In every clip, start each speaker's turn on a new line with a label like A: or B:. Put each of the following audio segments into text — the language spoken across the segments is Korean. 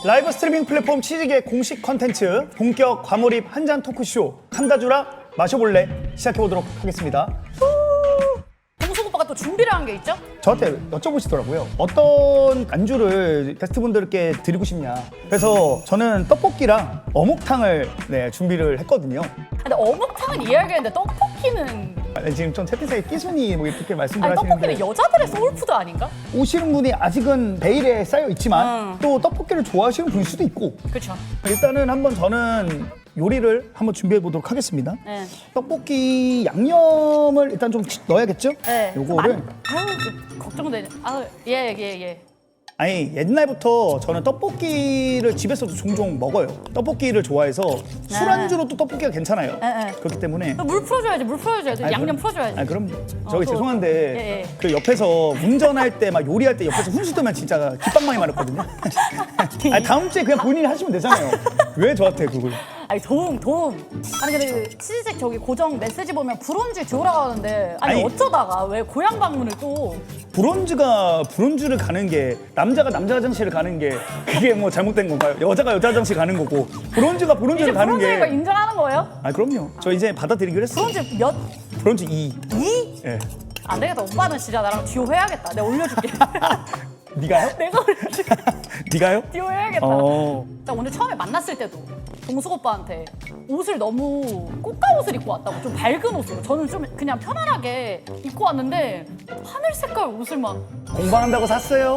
A: 라이브 스트리밍 플랫폼 치즈계 공식 컨텐츠 본격 과몰입 한잔 토크쇼 한다주라 마셔볼래 시작해보도록 하겠습니다.
B: 동숙 오빠가 또 준비를 한 게 있죠?
A: 저한테 여쭤보시더라고요. 어떤 안주를 게스트분들께 드리고 싶냐. 그래서 저는 떡볶이랑 어묵탕을 준비를 했거든요.
B: 근데 어묵탕은 이해하겠는데 떡볶이는
A: 지금 좀 채팅창에 끼순이 뭐 이렇게 말씀들
B: 아니
A: 하시는데
B: 떡볶이는 여자들의 소울푸드 아닌가?
A: 오시는 분이 아직은 베일에 쌓여 있지만 또 떡볶이를 좋아하시는 분일 수도 있고
B: 그렇죠.
A: 일단은 한번 저는 요리를 한번 준비해 보도록 하겠습니다.
B: 네.
A: 떡볶이 양념을 일단 좀 넣어야겠죠?
B: 네.
A: 요거를
B: 아유 걱정되네. 아유 예.
A: 아니 옛날부터 저는 떡볶이를 집에서도 종종 먹어요. 떡볶이를 좋아해서 술안주로 또 떡볶이가 괜찮아요.
B: 네.
A: 그렇기 때문에
B: 물 풀어줘야지. 물 풀어줘야지.
A: 아니,
B: 양념 풀어줘야지.
A: 아니 그럼 저기
B: 또.
A: 죄송한데
B: 예.
A: 그 옆에서 운전할 때 막 요리할 때 옆에서 훈수 두면 진짜 깃방망이 맞았거든요. 아니 다음 주에 그냥 본인이 하시면 되잖아요. 왜 저한테 그걸?
B: 아니 도움. 아니 근데 그 치즈색 저기 고정 메시지 보면 브론즈 듀오라고 하는데 아니 어쩌다가 왜 고향 방문을 또
A: 브론즈를 가는 게 남자가 남자 화장실을 가는 게 그게 뭐 잘못된 건가요? 여자가 여자 화장실 가는 거고 브론즈가
B: 이제
A: 브론즈를 가는
B: 브론즈 이거
A: 게
B: 인정하는 거예요?
A: 아 그럼요. 저 이제 받아들이기로 했어요.
B: 브론즈 몇?
A: 브론즈 2.
B: 2?
A: 예.
B: 안 되겠다. 오빠는 진짜 나랑 듀오 해야겠다. 내가 올려줄게.
A: 네가요?
B: 내가 올려줄게.
A: 네가요?
B: 듀오 해야겠다.
A: 어.
B: 자, 오늘 처음에 만났을 때도 동숙 오빠한테 옷을 너무 꽃가 옷을 입고 왔다고 좀 밝은 옷으로 저는 좀 그냥 편안하게 입고 왔는데 하늘 색깔 옷을 막
A: 공부한다고 샀어요.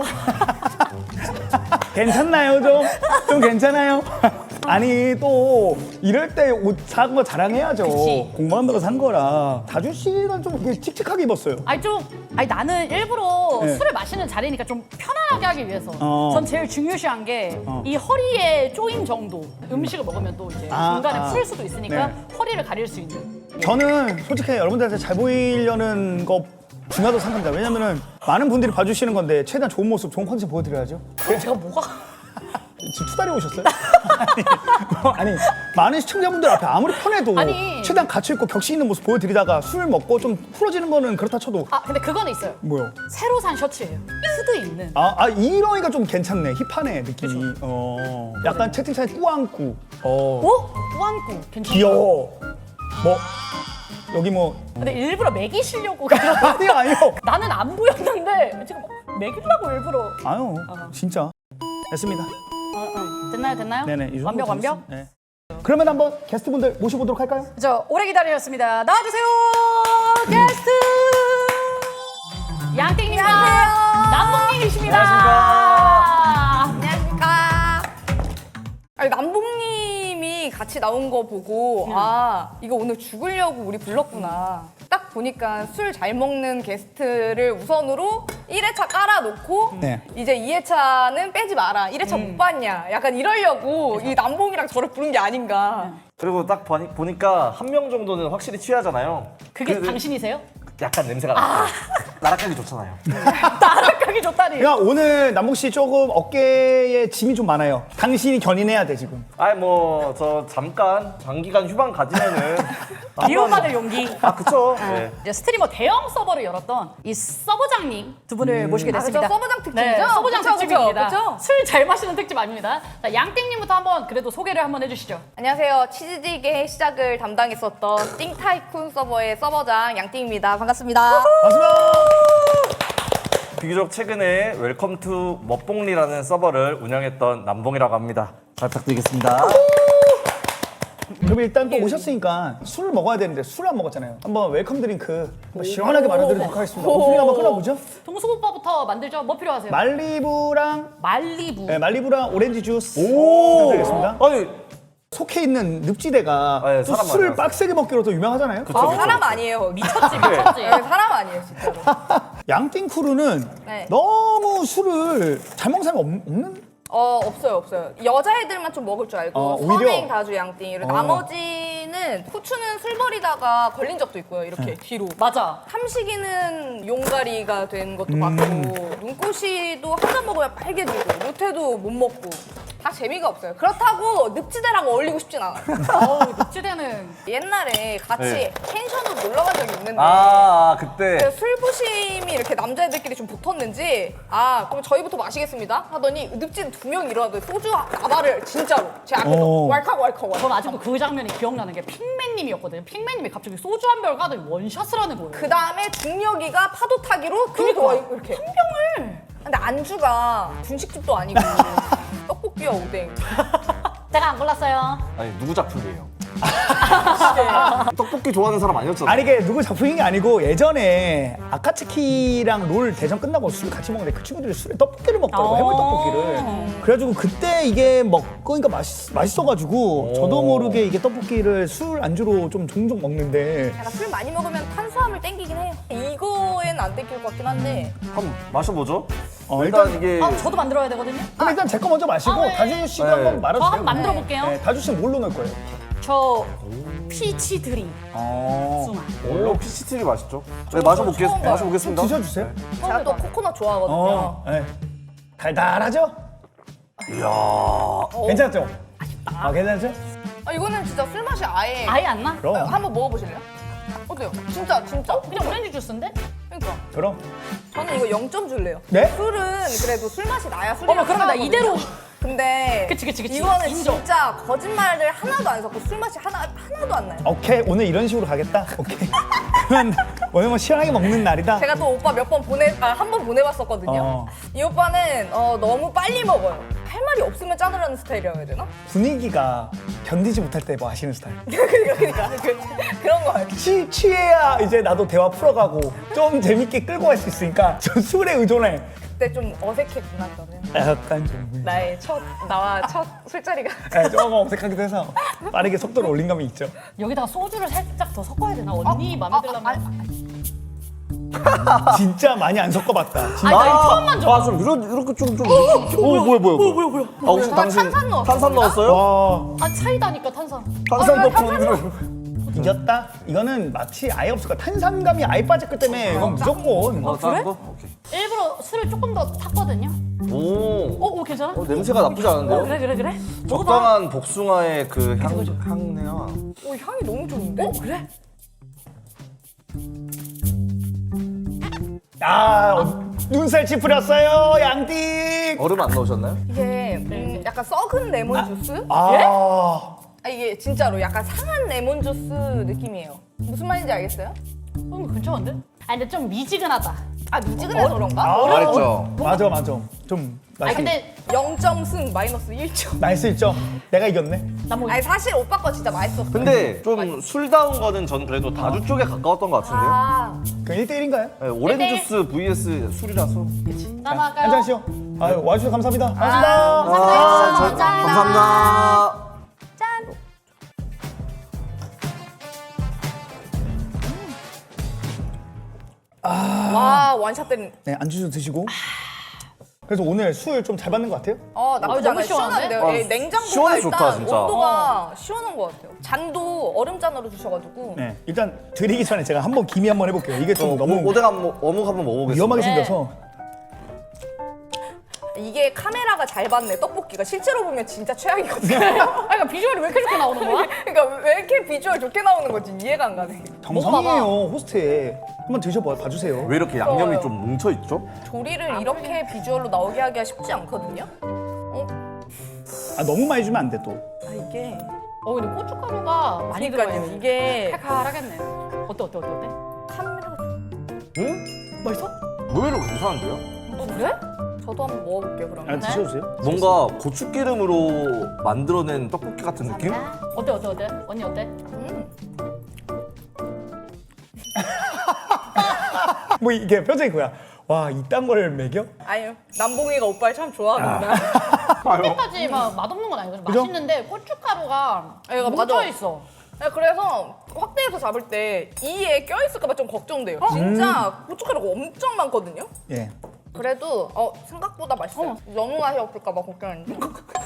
A: 괜찮나요 좀? 좀 괜찮아요? 아니 또 이럴 때 옷 산 거 자랑해야죠.
B: 그치.
A: 공부한다고 산 거라. 다주 씨는 좀 이렇게 칙칙하게 입었어요.
B: 아니 나는 일부러
A: 네.
B: 술을 마시는 자리니까 좀 편안하게 하기 위해서
A: 어.
B: 전 제일 중요시한 게 이 허리에 조임 정도 음식을 먹으면 또 이제 중간에 풀 수도 있으니까
A: 네.
B: 허리를 가릴 수 있는
A: 저는 솔직히 여러분들한테 잘 보이려는 거 중요하다고 생각합니다. 왜냐면은 많은 분들이 봐주시는 건데 최대한 좋은 모습, 좋은 컨디션 보여드려야죠.
B: 그럼 제가 뭐가
A: 지금 투다리 오셨어요? 아니 많은 시청자분들 앞에 아무리 편해도
B: 아니.
A: 최대한 갇혀있고 격식 있는 모습 보여드리다가 술 먹고 좀 풀어지는 거는 그렇다 쳐도
B: 아 근데 그거는 있어요.
A: 뭐요?
B: 새로 산 셔츠예요. 후드 있는.
A: 이러니까 좀 괜찮네. 힙하네 느낌이. 약간 채팅창에 꾸안꾸.
B: 꾸안꾸 괜찮아.
A: 귀여워. 뭐 여기 뭐
B: 근데 일부러 매기시려고 그런
A: 아니요.
B: 나는 안 보였는데 지금 매기려고 일부러
A: 아유 진짜 됐습니다.
B: 됐나요?
A: 네네 이 정도
B: 완벽.
A: 됐습니다. 네. 그러면 한번 게스트분들 모셔보도록 할까요?
B: 저 오래 기다리셨습니다. 나와주세요 게스트 양띵님과 남봉님이십니다.
C: 안녕하십니까. 아니, 남봉님이 같이 나온 거 보고 아 이거 오늘 죽으려고 우리 불렀구나. 딱 보니까 술 잘 먹는 게스트를 우선으로 1회차 깔아놓고
A: 네.
C: 이제 2회차는 빼지 마라. 1회차 못 봤냐. 약간 이러려고 이 남봉이랑 저를 부른 게 아닌가.
D: 그리고 딱 보니까 한 명 정도는 확실히 취하잖아요.
B: 그게
D: 그래서
B: 당신이세요?
D: 약간 냄새가 나요. 나락하기 좋잖아요.
B: 나락하기 좋다니.
A: 그러니까 오늘 남봉 씨 조금 어깨에 짐이 좀 많아요. 당신이 견인해야 돼 지금.
D: 아니 뭐 저 잠깐 장기간 휴방 가지면은
B: 미움받을 용기.
D: 아 그쵸. 네.
B: 이제 스트리머 대형 서버를 열었던 이 서버장님 두 분을 모시게 됐습니다.
C: 그쵸, 서버장 특집이죠?
B: 네, 서버장
C: 그쵸,
B: 특집입니다.
C: 그쵸?
B: 술 잘 마시는 특집 아닙니다. 자, 양띵님부터 한번 그래도 소개를 한번 해주시죠.
C: 안녕하세요. 치즈디게의 시작을 담당했었던 띵타이쿤 서버의 서버장 양띵입니다. 반갑습니다.
A: 반갑습니다.
D: 비교적 최근에 웰컴 투 멋봉리라는 서버를 운영했던 남봉이라고 합니다. 잘 부탁드리겠습니다.
A: 그럼 일단 또 오셨으니까 술을 먹어야 되는데 술을 안 먹었잖아요. 한번 웰컴 드링크 한번 시원하게 마련드리도록 하겠습니다. 오프닝 한번 끊어보죠.
B: 동숙 오빠부터 만들죠. 뭐 필요하세요?
A: 말리부랑
B: 말리부.
A: 네, 말리부랑 오렌지 주스
D: 오.
A: 부탁드리겠습니다.
D: 아니
A: 속해 있는 늪지대가
D: 네,
A: 또
D: 사람
A: 술을
D: 많아요.
A: 빡세게 먹기로 또 유명하잖아요.
D: 그쵸.
C: 사람 아니에요.
B: 미쳤지.
C: 네, 사람 아니에요, 진짜로.
A: 양띵 크루는
C: 네.
A: 너무 술을 잘 먹는 사람이 없는?
C: 없어요. 여자애들만 좀 먹을 줄 알고
A: 오히려?
C: 선행, 다주, 양띵 이렇게 나머지는 후추는 술 버리다가 걸린 적도 있고요. 이렇게 뒤로.
B: 맞아.
C: 삼식이는 용가리가 된 것도 봤고 눈꽃이도 한 잔 먹으면 빨개지고 루테도 못 먹고 다 재미가 없어요. 그렇다고 늪지대랑 어울리고 싶진 않아요.
B: 어우, 늑지대는
C: 옛날에 같이
D: 네.
C: 펜션으로 놀러 간 적이 있는데
D: 그때
C: 그 술부심이 이렇게 남자애들끼리 좀 붙었는지 그럼 저희부터 마시겠습니다 하더니 늪지대 2명 일어나더니 소주 나발을 진짜로 제 앞에서 왈칵
B: 전 아직도 그 장면이 기억나는 게 핑맨님이었거든요. 핑맨님이 갑자기 소주 한 병을 까더니 원샷을 하는 거예요.
C: 그 다음에 중력이가 파도 타기로 그거 이렇게 한 병을. 근데 안주가 분식집도 아니고 떡볶이와 오뎅.
B: 제가 안 골랐어요.
D: 아니 누구 작품이에요? 떡볶이 좋아하는 사람 아니었잖아.
A: 아니 이게 누구 작품인 게 아니고 예전에 아카츠키랑 롤 대전 끝나고 술 같이 먹는데 그 친구들이 술에 떡볶이를 먹더라고 해물 떡볶이를. 그래가지고 그때 이게 먹으니까 맛있어가지고 저도 모르게 이게 떡볶이를 술 안주로 좀 종종 먹는데
C: 제가 술 많이 먹으면 탄수화물 땡기긴 해요. 이거엔 안 땡길 것 같긴 한데
D: 한번 마셔보죠.
A: 일단
D: 이게
B: 저도 만들어야 되거든요.
A: 그럼 일단 제 거 먼저 마시고
B: 네.
A: 다주 씨도
D: 네.
A: 한번 말아주세요.
B: 저 한번 만들어 볼게요.
A: 네, 다주 씨는 뭘로 넣을 거예요?
B: 저 피치 드림 숭아.
D: 오 피치티리 맛있죠? 네,
C: 처음 봐요.
D: 마셔보겠습니다.
A: 드셔주세요.
C: 제가 또 코코넛 좋아하거든요.
A: 네. 달달하죠?
D: 이야.
A: 괜찮죠? 괜찮죠?
C: 이거는 진짜 술 맛이 아예
B: 아예 안 나?
A: 그럼
C: 한번 먹어보실래요? 어때요? 진짜
B: 그냥 오렌지 주스인데?
C: 그러니까
A: 그럼
C: 저는 이거 0점 줄래요.
A: 네?
C: 술은 그래도 술 맛이 나야 술이랑
B: 어머, 그러면 나
C: 상관없거든요.
B: 이대로.
C: 근데
B: 그치.
C: 이거는
B: 인정.
C: 진짜 거짓말을 하나도 안 섞고 술 맛이 하나도 안 나요.
A: 오케이 오늘 이런 식으로 가겠다. 오케이. 그러면 오늘 뭐 시원하게 먹는 날이다.
C: 제가 또 오빠 몇 번 한 번 보내봤었거든요. 이 오빠는 너무 빨리 먹어요. 할 말이 없으면 짜느라는 스타일이라고 해야 되나?
A: 분위기가 견디지 못할 때 뭐 하시는 스타일.
C: 그러니까 그런 거 알죠?
A: 취해야 이제 나도 대화 풀어가고 좀 재밌게 끌고 갈 수 있으니까 저 술에 의존해.
C: 그때 좀 어색했구나 저는.
A: 약간 좀
C: 나와 첫 술자리가.
A: 조금 어색하기도 해서 빠르게 속도를 올린 감이 있죠.
B: 여기다가 소주를 살짝 더 섞어야 되나? 언니 맘에 들려면.
A: 진짜 많이 안 섞어봤다. 진짜.
B: 아니, 나 이거 처음만 줘.
D: 좀 이렇게 좀. 오 뭐야. 혹시
C: 저는
D: 당신
C: 탄산 넣었어요.
D: 탄산 넣었어요?
A: 와
B: 차이다니까 탄산.
D: 탄산 넣고
A: 이겼다? 이거는 맛이 아예 없을 거야. 탄산감이 아예 빠졌기 때문에 이건 무조건.
B: 그래?
D: 오케이.
B: 일부러 술을 조금 더 탔거든요.
D: 오.
B: 괜찮아?
D: 냄새가 나쁘지 않은데요?
B: 그래. 먹어봐.
D: 적당한 복숭아의 그 향내와
C: 향이 너무 좋은데?
B: 그래?
A: 눈살 찌푸렸어요 양띵.
D: 얼음 안 넣으셨나요?
C: 이게 약간 썩은 레몬 주스? 이게 진짜로 약간 상한 레몬 주스 느낌이에요. 무슨 말인지 알겠어요?
B: 괜찮은데? 아니 근데 좀 미지근하다.
C: 미지근해서 그런가?
D: 말했죠.
A: 맞아. 좀
B: 아니 근데
C: 0점 승 마이너스 1점.
A: 나이스 1점. 내가 이겼네.
B: 나뭐
C: 아니 사실 오빠 거 진짜 맛있었어.
D: 근데 좀 술다운 거는 전 그래도 다주 쪽에 가까웠던 것 같은데요?
A: 그럼 1대1인가요?
D: 네, 오렌지 주스 vs 술이라서.
B: 나갈까요?
A: 한잔 하시오. 와주셔서 감사합니다.
D: 감사합니다.
C: 와 원샷 때는
A: 네, 안주 좀 드시고. 그래서 오늘 술 좀 잘 받는 것 같아요?
C: 나쁘지
B: 너무
C: 않아요.
B: 시원한데?
C: 시원한데요. 예, 냉장고가
D: 시원해
C: 일단
D: 좋다, 진짜.
C: 온도가 시원한 것 같아요. 잔도 얼음잔으로 주셔가지고
A: 네. 일단 드리기 전에 제가 한번 기미 한번 해볼게요. 이게 좀 너무
D: 어묵 한번 먹어보겠습니다.
A: 위험하게
B: 네.
A: 생겨서.
C: 이게 카메라가 잘 받네 떡볶이가 실제로 보면 진짜 최악이거든요.
B: 그러니까 비주얼이 왜 이렇게 좋게 나오는 거야?
C: 그러니까 왜 이렇게 비주얼 좋게 나오는 건지 이해가 안 가네.
A: 정성이에요, 호스트에. 한번 드셔봐주세요.
D: 왜 이렇게 양념이 좀 뭉쳐 있죠?
C: 조리를 이렇게 비주얼로 나오게 하기가 쉽지 않거든요.
A: 너무 많이 주면 안 돼, 또.
C: 이게
B: 근데 고춧가루가 많이 들어가요.
C: 그러니까요. 이게
B: 칼칼하겠네. 어때?
C: 카메라가
D: 응?
B: 맛있어?
D: 의외로 괜찮은데요?
B: 그래?
C: 저도 한번 먹어볼게요 그러면.
A: 드셔주세요.
D: 뭔가 고추기름으로 만들어낸 떡볶이 같은 느낌?
B: 어때? 언니 어때?
A: 뭐 이게 표정이 그거야. 와, 이딴 걸 먹여?
C: 아니요 남봉이가 오빠를 참 좋아하는구나.
B: 그때까지 막 맛없는 건 아니거든.
A: 그죠?
B: 맛있는데 고춧가루가
C: 이거
B: 뭉쳐
C: 맞아.
B: 있어.
C: 네, 그래서 확대해서 잡을 때 이에 껴있을까봐 좀 걱정돼요. 진짜 고춧가루가 엄청 많거든요.
A: 예.
C: 그래도 생각보다 맛있어요. 너무 맛이 없을까봐 걱정했는데.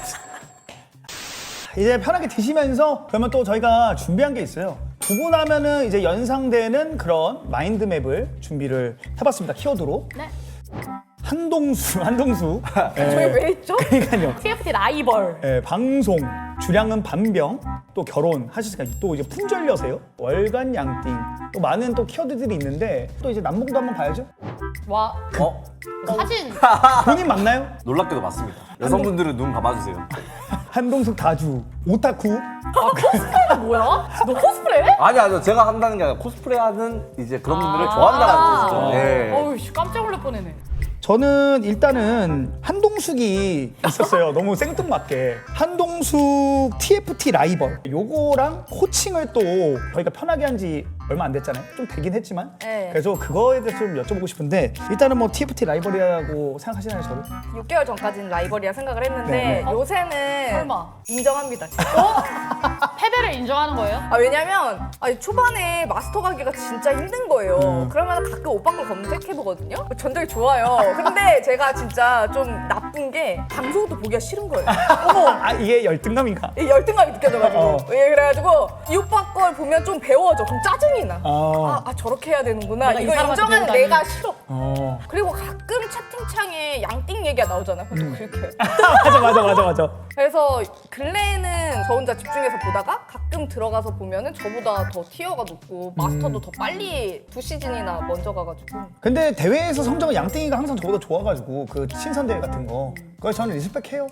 A: 이제 편하게 드시면서 그러면 또 저희가 준비한 게 있어요. 두 분 하면은 이제 연상되는 그런 마인드맵을 준비를 해봤습니다. 키워드로.
B: 네.
A: 한동수.
C: 저희 왜 있죠?
A: 그러니까요.
B: TFT 라이벌.
A: 예, 방송, 주량은 반병, 또 결혼하셨으니까 또 이제 품절녀세요. 월간 양띵, 또 많은 또 키워드들이 있는데 또 이제 남봉도 한번 봐야죠.
B: 와
D: 어?
B: 사진
A: 본인 맞나요?
D: 놀랍게도 맞습니다. 여성분들은 눈 감아주세요.
A: 한동숙 다주, 오타쿠.
B: 코스프레는 뭐야? 너 코스프레?
D: 아니요. 제가 한다는 게 아니라 코스프레하는 이제 그런 분들을 좋아한다는 뜻이죠. 네.
B: 어우 씨, 깜짝 놀랄 뻔했네.
A: 저는 일단은 한동숙이 있었어요. 너무 생뚱맞게. 한동숙 TFT 라이벌. 요거랑 호칭을 또 저희가 편하게 한 지 얼마 안 됐잖아요. 좀 되긴 했지만.
C: 네.
A: 그래서 그거에 대해서 좀 여쭤보고 싶은데 일단은 뭐 TFT 라이벌이라고 생각하시나요, 저를?
C: 6개월 전까지는 라이벌이라 생각을 했는데
A: 네, 네.
C: 요새는
B: 설마.
C: 인정합니다.
B: 패배를 인정하는 거예요?
C: 왜냐면 초반에 마스터 가기가 진짜 힘든 거예요. 그러면 가끔 오빠 걸 검색해보거든요. 전적이 좋아요. 근데 제가 진짜 좀 나쁜 게 방송도 보기가 싫은 거예요.
A: 아, 이게 열등감인가?
C: 이 열등감이 느껴져가지고.
A: 어.
C: 예, 그래가지고 이 오빠 걸 보면 좀 배워져. 그럼 짜증이 나.
A: 어.
C: 저렇게 해야 되는구나.
B: 내가 이
C: 이거
B: 사람한테
C: 인정하는
B: 배우다니.
C: 내가 싫어.
A: 어.
C: 그리고 가끔 채팅창에 양띵 얘기가 나오잖아요. 그럼 그렇게.
A: 맞아.
C: 그래서 근래에는 저 혼자 집중해서 보다가 가끔 들어가서 보면은 저보다 더 티어가 높고 마스터도 더 빨리 2시즌이나 먼저 가가지고.
A: 근데 대회에서 성적은 양띵이가 항상 저보다 좋아가지고 그 신선 대회 같은 거. 그래서 저는 리스펙해요.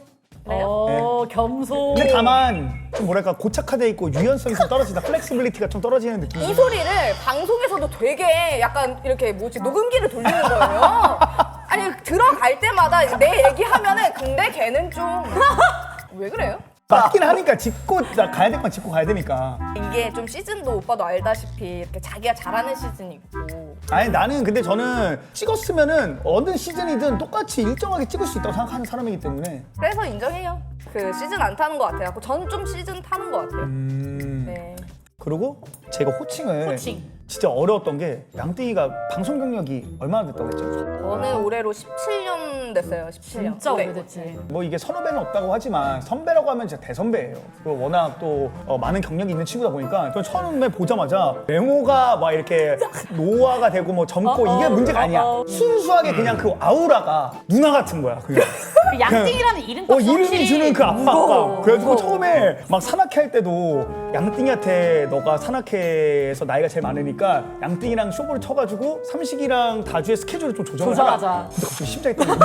B: 겸손.
A: 근데 다만 좀 뭐랄까 고착화돼 있고 유연성이 좀 떨어지다. 플렉시빌리티가 좀 떨어지는 느낌.
C: 이 소리를 방송에서도 되게 약간 이렇게 녹음기를 돌리는 거예요. 아니 들어갈 때마다 내 얘기하면은 근데 걔는 좀 왜 그래요?
A: 맞긴 하니까 짚고 가야 될 건 짚고 가야 되니까.
C: 이게 좀 시즌도 오빠도 알다시피 이렇게 자기가 잘하는 시즌이 있고.
A: 아니 나는 근데 저는 찍었으면은 어느 시즌이든 똑같이 일정하게 찍을 수 있다고 생각하는 사람이기 때문에.
C: 그래서 인정해요. 그 시즌 안 타는 것 같아요. 저는 좀 시즌 타는 것 같아요. 네.
A: 그리고 제가 호칭을
B: 호칭.
A: 진짜 어려웠던 게 양띵이가 방송 경력이 얼마나 됐다고 했죠?
C: 저는 올해로 17년 됐어요. 17년.
B: 진짜
C: 네.
B: 오래됐지.
A: 뭐 이게 선후배는 없다고 하지만 선배라고 하면 진짜 대선배예요. 그리고 워낙 또 많은 경력이 있는 친구다 보니까 저 처음에 보자마자 외모가 막 이렇게 노화가 되고 뭐 젊고 이게 문제가 아니야. 순수하게 그냥 그 아우라가 누나 같은 거야. 그게.
B: 그 양띵이라는 이름값
A: 이름이 주는 그 압박감. 그래가지고 처음에 막 산악회 할 때도 양띵이한테 너가 산악회에서 나이가 제일 많으니까 양띵이랑 쇼부를 쳐가지고 삼식이랑 다주의 스케줄을 좀 조정을 하라.
B: 조정하자.
A: 근데 갑자기 심장이 떨리네.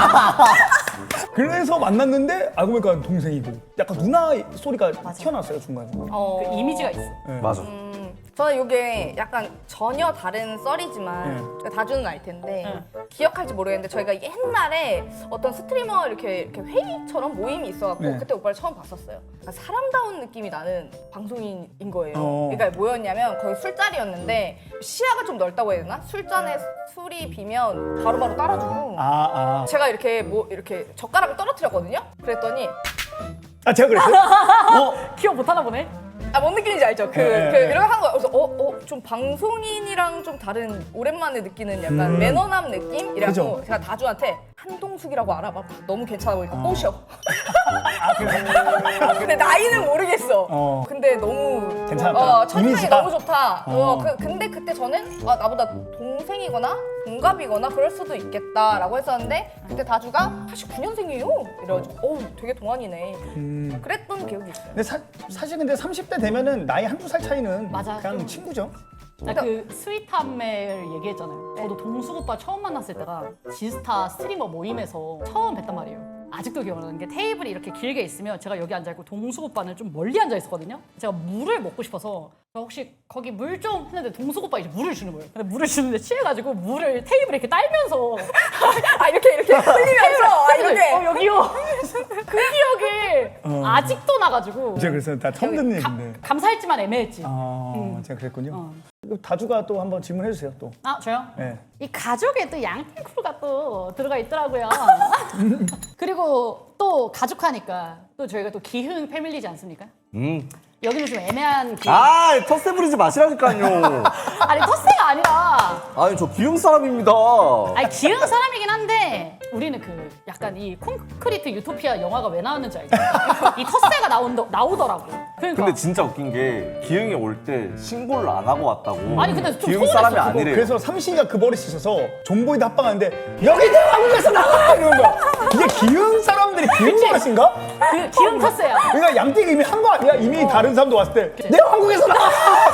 A: 그래서 만났는데 알고 보니까 동생이고 약간 누나 소리가 튀어나왔어요 중간에.
B: 그 이미지가 있어.
D: 맞아.
C: 저는 이게 약간 전혀 다른 썰이지만 다주는 알 텐데 기억할지 모르겠는데 저희가 옛날에 어떤 스트리머 이렇게 회의처럼 모임이 있어갖고
A: 네.
C: 그때 오빠를 처음 봤었어요. 그러니까 사람다운 느낌이 나는 방송인인 거예요.
A: 어.
C: 그러니까 뭐였냐면 거의 술자리였는데 시야가 좀 넓다고 해야 되나? 술잔에 술이 비면 바로바로 따라주고 제가 이렇게 이렇게 젓가락을 떨어뜨렸거든요. 그랬더니
A: 아 제가 그랬어요?
B: 기억 못하나 보네.
C: 뭔 느낌인지 알죠?
A: 네.
C: 이렇게 한 거야. 그래서 좀 방송인이랑 좀 다른 오랜만에 느끼는 약간 매너남 느낌이라고
A: 그죠?
C: 제가 다주한테 한동숙이라고 알아봐. 너무 괜찮아 보니까 꼬셔. 근데 나이는 모르겠어. 근데 너무
A: 괜찮았다.
C: 첫인상이
A: 이미지가?
C: 너무 좋다. 근데 그때 저는 나보다 동생이거나 동갑이거나 그럴 수도 있겠다라고 했었는데 그때 다주가 89년생이에요. 이래가지고 되게 동안이네. 그랬던 기억이 있어요.
A: 근데 사실 근데 30대 되면은 나이 한두 살 차이는
B: 맞아.
A: 그냥 친구죠.
B: 나 그 스윗함을 얘기했잖아요. 저도 동숙 오빠 처음 만났을 때가 지스타 스트리머 모임에서 처음 뵀단 말이에요. 아직도 기억나는 게 테이블이 이렇게 길게 있으면 제가 여기 앉아있고 동숙 오빠는 좀 멀리 앉아있었거든요. 제가 물을 먹고 싶어서 혹시 거기 물 좀 했는데 동숙 오빠 이제 물을 주는 거예요. 근데 물을 주는데 취해가지고 물을 테이블에 이렇게 딸면서
C: 이렇게 흘리면서 이렇게
B: 여기요. 그 기억이 아직도 나가지고
A: 제가 그래서 다 처음 듣는 얘기인데.
B: 감사했지만 애매했지.
A: 제가 그랬군요. 다주가 또 한번 질문해 주세요 또.
B: 아 저요?
A: 네.
B: 이 가족에 또 양띵 크루가 또 들어가 있더라고요. 그리고 또 가족하니까 또 저희가 또 기흥 패밀리지 않습니까? 여기는 좀 애매한 기흥.
D: 텃세 부리지 마시라니까요.
B: 아니 텃세가 아니라
D: 아니 저 기흥 사람입니다.
B: 아니 기흥 사람이긴 한데 우리는 그 약간 이 콘크리트 유토피아 영화가 왜 나왔는지 알죠? 이 텃세가 나오더라고. 그러니까.
D: 근데 진짜 웃긴 게 기흥이 올 때 신고를 안 하고 왔다고.
B: 아니, 근데 좀
D: 기흥
B: 서운했어,
D: 사람이
B: 그거.
D: 아니래요.
A: 그래서 삼신이가 그 버릇이 있어서 존보이드 합방하는데 여기 내 한국에서 나가! 이러는 거야. 이게 기흥 사람들이 기흥 버릇인가?
B: 그 기흥 텃세야.
A: 그러니까 양띠가 이미 한 거 아니야? 이미 다른 사람도 왔을 때 내 한국에서 나가!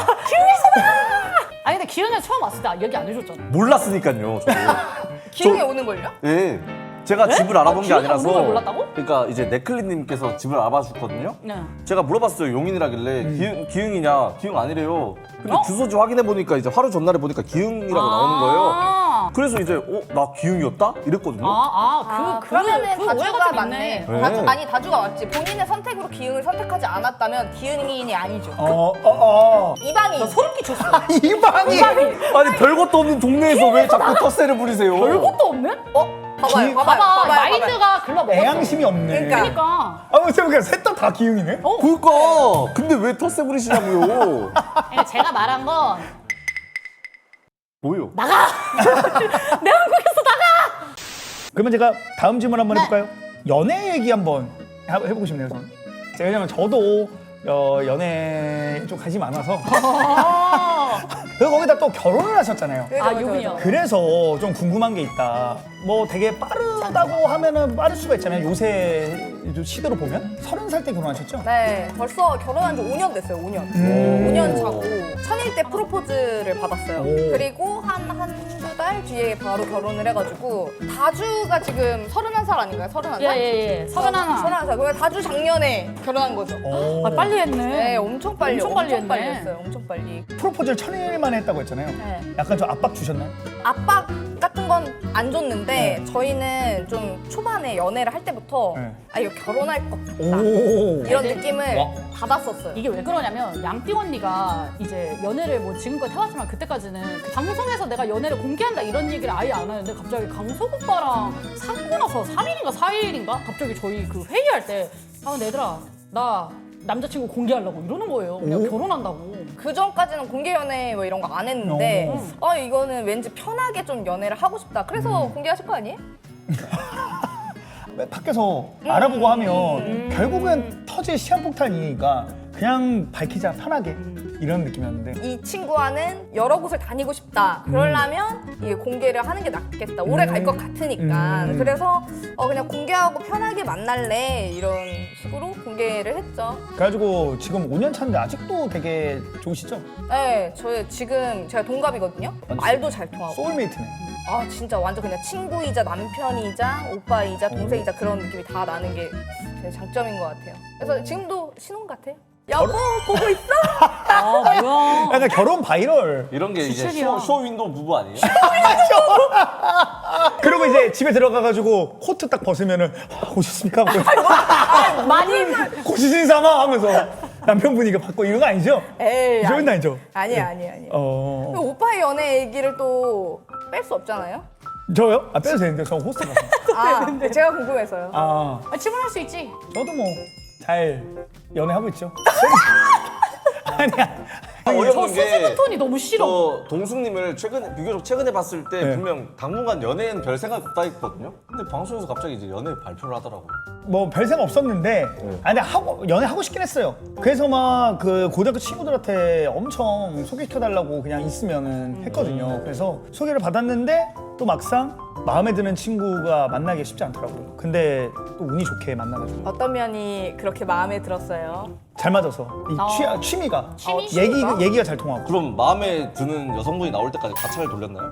B: 아니 근데 기흥에 처음 왔을 때 얘기 안 해줬잖아.
D: 몰랐으니까요. 저도.
C: 기흥에 오는 걸요?
D: 예. 제가
B: 네?
D: 집을 알아본
B: 아,
D: 게
B: 기흥에
D: 아니라서.
B: 오는 걸 몰랐다고?
D: 그러니까 이제 네클리님께서 집을 알아봐 주셨거든요.
B: 네.
D: 제가 물어봤어요. 용인이라길래 기흥이냐? 기흥 아니래요. 근데
B: 어?
D: 주소지 확인해 보니까 이제 하루 전날에 보니까 기흥이라고 나오는 거예요. 그래서 이제 나 기흥이었다? 이랬거든요.
C: 그러면은
B: 그
C: 다주가
B: 오해가 좀
C: 맞네.
B: 있네.
C: 다주, 아니 다주가 맞지. 본인의 선택으로 기흥을 선택하지 않았다면 기흥인이 아니죠. 이방인.
B: 나 소름 끼쳤어.
A: 이방이!
D: 아니 별것도 없는 동네에서 왜 자꾸 텃세를 부리세요?
B: 별것도 없네?
C: 봐봐요, 봐봐요,
B: 봐봐,
C: 봐봐요.
B: 마인드가 글러먹었어.
A: 애양심이 없네.
C: 그러니까.
B: 그러니까.
A: 아, 생각해보니까 셋 다 기흥이네?
D: 그러니까 근데 왜 텃세 부리시냐고요?
B: 그러니까 제가 말한 건
D: 뭐요?
B: 내 한국에서 나가!
A: 그러면 제가 다음 질문 한번 해볼까요? 연애 얘기 한번 해보고 싶네요, 저는. 왜냐면 저도 연애에 좀 관심이 많아서. 그리고 거기다 또 결혼을 하셨잖아요.
B: 아, 유빈이요.
A: 그래서 좀 궁금한 게 있다. 뭐 되게 빠르다고 하면은 빠를 수가 있잖아요. 요새 시대로 보면 30살 때 결혼하셨죠?
C: 네, 벌써 결혼한 지 5년 됐어요, 5년. 5년 차고 천일 때 프로포즈를 받았어요.
A: 오.
C: 그리고 한두 달 뒤에 바로 결혼을 해가지고 다주가 지금 31살 아닌가요? 31살?
B: 예. 31.
C: 31살. 그래서 다주 작년에 결혼한 거죠.
B: 아, 빨리 했네.
C: 네, 엄청 빨리.
B: 엄청 빨리 했네.
C: 했어요. 엄청 빨리.
A: 프로포즈를 1000일 만에 했다고 했잖아요.
C: 네.
A: 약간 좀 압박 주셨나요?
C: 압박 같은 건 안 줬는데 저희는 좀 초반에 연애를 할 때부터
A: 네.
C: 아 이거 결혼할 것 같다
A: 오.
C: 이런
B: 네.
C: 느낌을 받았었어요.
B: 이게 왜 그러냐면 양띵 언니가 이제 연애를 뭐 지금까지 해왔지만 그때까지는 그 방송에서 내가 연애를 공개한다 이런 얘기를 아예 안 하는데 갑자기 강석 오빠랑 사귀고 나서 3일인가 4일인가 갑자기 저희 그 회의할 때 얘들아 나 남자친구 공개하려고 이러는 거예요. 그냥 결혼한다고.
C: 그 전까지는 공개 연애 뭐 이런 거 안 했는데 이거는 왠지 편하게 좀 연애를 하고 싶다. 그래서 공개하실 거 아니에요?
A: 밖에서 알아보고 하면 결국엔 터질 시한폭탄이니까 그냥 밝히자 편하게 이런 느낌이었는데
C: 이 친구와는 여러 곳을 다니고 싶다. 그러려면 이게 공개를 하는 게 낫겠다. 오래 갈 것 같으니까. 그래서 그냥 공개하고 편하게 만날래 이런 식으로 공개를 했죠.
A: 그래가지고 지금 5년 차인데 아직도 되게 좋으시죠?
C: 네, 지금 제가 동갑이거든요. 말도 잘 통하고.
A: 소울메이트네.
C: 아 진짜 완전 그냥 친구이자 남편이자 오빠이자 동생이자 그런 느낌이 다 나는 게 제 장점인 것 같아요. 그래서 지금도 신혼 같아요. 여보 보고 있어?
B: 아 뭐야.
A: 약간 결혼 바이럴.
D: 이런 게 이제
B: 지출이야.
D: 쇼윈도우 부부 아니에요?
A: 그리고 이제 집에 들어가가지고 코트 딱 벗으면은 오셨습니까?
B: 많이
A: 고시신 삼아 하면서 남편분이가 받고 이런 거 아니죠?
C: 에이
A: 이런 건 아니죠?
C: 아니야. 오빠의 연애 얘기를 또 뺄 수 없잖아요.
A: 저요? 아 빼도 되는데 저 호스트라서.
C: 아 제가 궁금해서요.
A: 아
B: 질문할 수 있지.
A: 저도 뭐 잘 연애하고 있죠. 아니야.
B: 저
D: 어이없는 게
B: 수줍은 톤이 너무 싫어.
D: 저 동숙님을 비교적 최근에 봤을 때
A: 네.
D: 분명 당분간 연애엔 별 생각 없다 했거든요. 근데 방송에서 갑자기 이제 연애 발표를 하더라고요.
A: 뭐 별 생각 없었는데 근데 연애 하고 싶긴 했어요. 그래서 막 그 고등학교 친구들한테 엄청 소개시켜달라고 그냥 있으면은 했거든요. 그래서 소개를 받았는데 또 막상 마음에 드는 친구가 만나기 쉽지 않더라고요. 근데 또 운이 좋게 만나가지고
C: 어떤 면이 그렇게 마음에 들었어요?
A: 잘 맞아서 이 취미가
B: 취미가?
A: 얘기가 잘 통하고.
D: 그럼 마음에 드는 여성분이 나올 때까지 가차를 돌렸나요?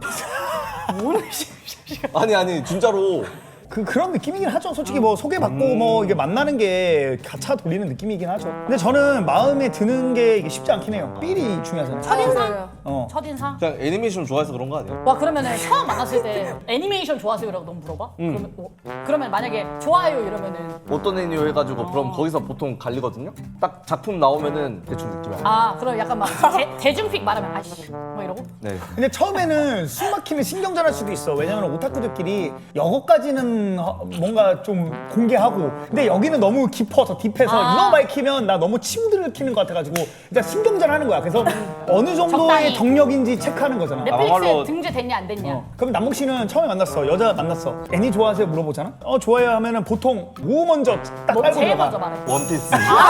D: 아니 진짜로
A: 그런 느낌이긴 하죠. 솔직히 뭐 소개받고 뭐 이게 만나는 게 가차 돌리는 느낌이긴 하죠. 근데 저는 마음에 드는 게 이게 쉽지 않긴 해요. 삘이 중요하잖아요.
B: 첫인상?
A: 어.
B: 첫인상?
D: 그냥 애니메이션 좋아해서 그런 거 아니에요?
B: 와 그러면은 처음 만났을 때 애니메이션 좋아하세요라고 너무 물어봐? 그러면 만약에 좋아요 이러면은
D: 어떤 애니요 해가지고 그럼 거기서 보통 갈리거든요? 딱 작품 나오면은 대충 느낌이 알아요.
B: 그럼 약간 막 대중픽 말하면 아씨 뭐 이러고?
D: 네.
A: 근데 처음에는 숨 막히면 신경전할 수도 있어. 왜냐면 오타쿠들끼리 여거까지는 뭔가 좀 공개하고 근데 여기는 너무 깊어서 딥해서 이거 밝히면 나 너무 침들을 키는 것 같아가지고 일단 신경전하는 거야. 그래서 어느 정도의
B: 적당히.
A: 경력인지 체크하는 거잖아.
B: 넷플릭스에
D: 막말로-
B: 등재됐냐 안 됐냐.
A: 그럼 남봉 씨는 처음에 만났어. 여자 만났어. 애니 좋아하세요? 물어보잖아. 좋아해요 하면은 보통 뭐 먼저 딱
B: 뭐
A: 깔고
B: 제일
A: 들어가.
B: 먼저 말해.
D: 원피스.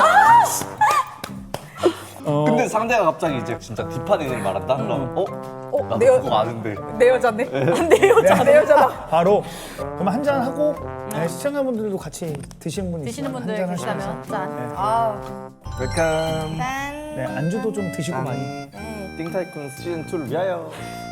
D: 근데 상대가 갑자기 이제 진짜 딥한 애니를 말한다? 그럼 나도
C: 내,
D: 그거 아는데.
C: 내 여자네. 내 여자, 내 여자다.
A: 바로 그럼 한 잔 하고 시청자분들도 같이 드시는 분
B: 드시는
A: 있으면
B: 분들
A: 한잔 하시면서.
B: 계시다면 짠.
C: 아,
D: 웰컴.
C: 짠.
A: 네, 안주도 좀 드시고 많이.
D: 띵타이쿤 시즌 2를 위하여.